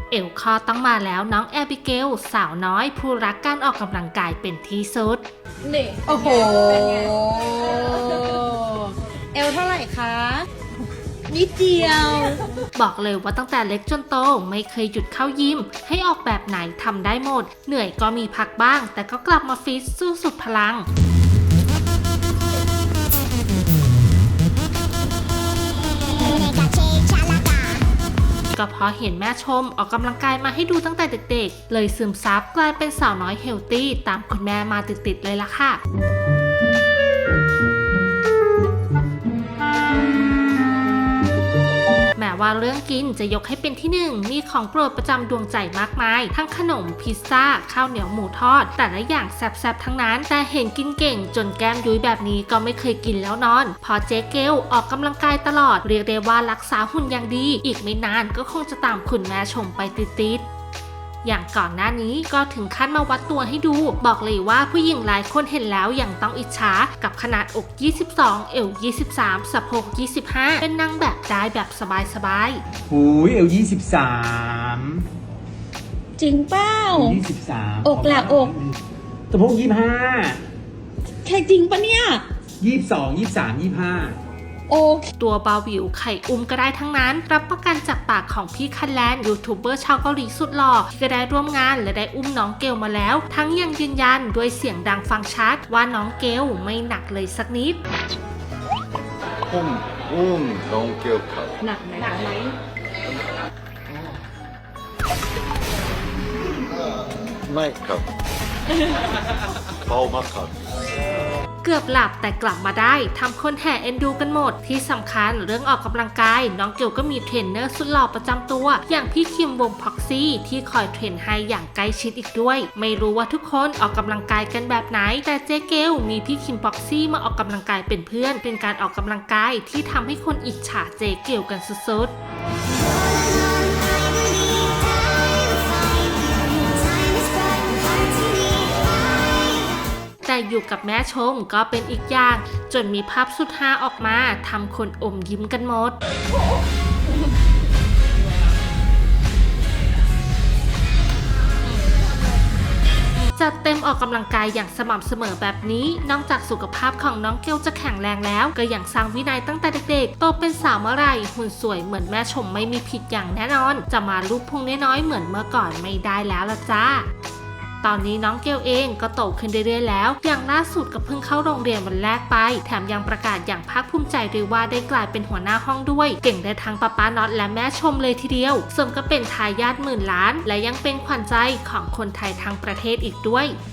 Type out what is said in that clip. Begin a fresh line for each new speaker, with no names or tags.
เอลคอต้องมาแล้วน้องแอบิเกลสาวน้อยผู้รักการออกกำลังกายเป็นที่สุด
นี่โอ้โหเอลเท่าไหร่คะนิดเดียว
บอกเลยว่าตั้งแต่เล็กจนโตไม่เคยหยุดเข้ายิมให้ออกแบบไหนทำได้หมดเหนื่อยก็มีพักบ้างแต่ก็กลับมาฟิตสู้สุดพลังก็เพราะเห็นแม่ชมออกกำลังกายมาให้ดูตั้งแต่เด็กๆเลยซึมซับกลายเป็นสาวน้อยเฮลตี้ตามคุณแม่มาติดๆเลยล่ะค่ะแม้ว่าเรื่องกินจะยกให้เป็นที่หนึ่งมีของโปรดประจำดวงใจมากมายทั้งขนมพิซซ่าข้าวเหนียวหมูทอดแต่ละอย่างแซ่บๆทั้งนั้นแต่เห็นกินเก่งจนแก้มยุ้ยแบบนี้ก็ไม่เคยกินแล้วนอนพอเจ๊เกลออกกำลังกายตลอดเรียกได้ว่ารักษาหุ่นอย่างดีอีกไม่นานก็คงจะตามคุณแม่ชมไปติดๆอย่างก่อนหน้านี้ก็ถึงขั้นมาวัดตัวให้ดูบอกเลยว่าผู้หญิงหลายคนเห็นแล้วยังต้องอิจฉากับขนาดอก22เอว23สะโพก25เป็นนางแบบได้แบบสบาย
ๆหูยเอว
จริงเป้า
23
อกหลักอก
สะโพก25
แค่จริงปะเนี่ย
22 23 25
โอเค
ตัวเบาหวิวไข่อุ้มก็ได้ทั้งนั้นรับประกันจากปากของพี่คันแลนยูทูบเบอร์ชาวเกาหลีสุดหล่อที่ก็ได้ร่วมงานและได้อุ้มน้องเกลมาแล้วทั้งยังยืนยันด้วยเสียงดังฟังชัดว่าน้องเกลไม่หนักเลยสักนิด
น้องเกลครับ
หนักไหม
ไม่ครับเบามากครับ
เกือบหลับแต่กลับมาได้ทำคนแห่เอ็นดูกันหมดที่สำคัญเรื่องออกกำลังกายน้องเกลก็มีเทรนเนอร์สุดหล่อประจำตัวอย่างพี่คิมวงพ็อกซี่ที่คอยเทรนให้อย่างใกล้ชิดอีกด้วยไม่รู้ว่าทุกคนออกกำลังกายกันแบบไหนแต่เจ๊เกลมีพี่คิมพ็อกซี่มาออกกำลังกายเป็นเพื่อนเป็นการออกกำลังกายที่ทำให้คนอิจฉาเจ๊เกลกันสุดๆแต่อยู่กับแม่ชมก็เป็นอีกอย่างจนมีภาพสุดฮาออกมาทำคนอมยิ้มกันหมดจัดเต็มออกกำลังกายอย่างสม่ำเสมอแบบนี้นอกจากสุขภาพของน้องเกลจะแข็งแรงแล้วก็ยังสร้างวินัยตั้งแต่เด็กๆโตเป็นสาวเมื่อไหร่หุ่นสวยเหมือนแม่ชมไม่มีผิดอย่างแน่นอนจะมาลูกพุงน้อยๆเหมือนเมื่อก่อนไม่ได้แล้วล่ะจ้าตอนนี้น้องเกลเองก็โตขึ้นเรื่อยๆแล้วอย่างล่าสุดก็เพิ่งเข้าโรงเรียนวันแรกไปแถมยังประกาศอย่างภาคภูมิใจด้วยว่าได้กลายเป็นหัวหน้าห้องด้วยเก่งได้ทั้งป้าน็อตและแม่ชมเลยทีเดียวสมก็เป็นทายาท10,000 ล้านและยังเป็นขวัญใจของคนไทยทั้งประเทศอีกด้วย